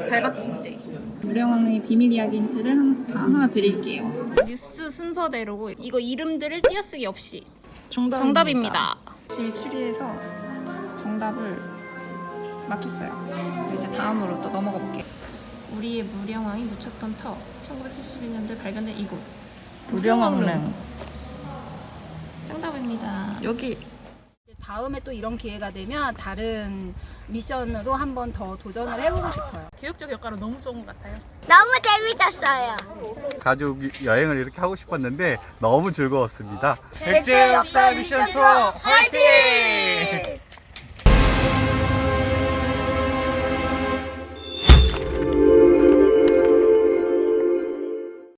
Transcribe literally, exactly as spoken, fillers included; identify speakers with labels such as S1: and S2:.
S1: 발받침대. 무령왕의 비밀 이야기 힌트를 한, 아, 하나 드릴게요.
S2: 뉴스 순서대로 이거 이름들을 띄어쓰기 없이
S1: 정답입니다.
S2: 정답입니다.
S1: 열심히 추리해서 정답을 맞췄어요. 그래서 이제 다음으로 또 넘어가 볼게요. 우리의 무령왕이 묻혔던 터. 천구백칠십이 년도에 발견된 이곳. 무령왕릉. 정답입니다. 여기.
S3: 다음에 또 이런 기회가 되면 다른 미션으로 한 번 더 도전을 해보고 싶어요.
S2: 교육적 효과로 너무 좋은 것 같아요.
S4: 너무 재밌었어요.
S5: 가족 여행을 이렇게 하고 싶었는데 너무 즐거웠습니다.
S4: 백제 역사 미션 투어 화이팅!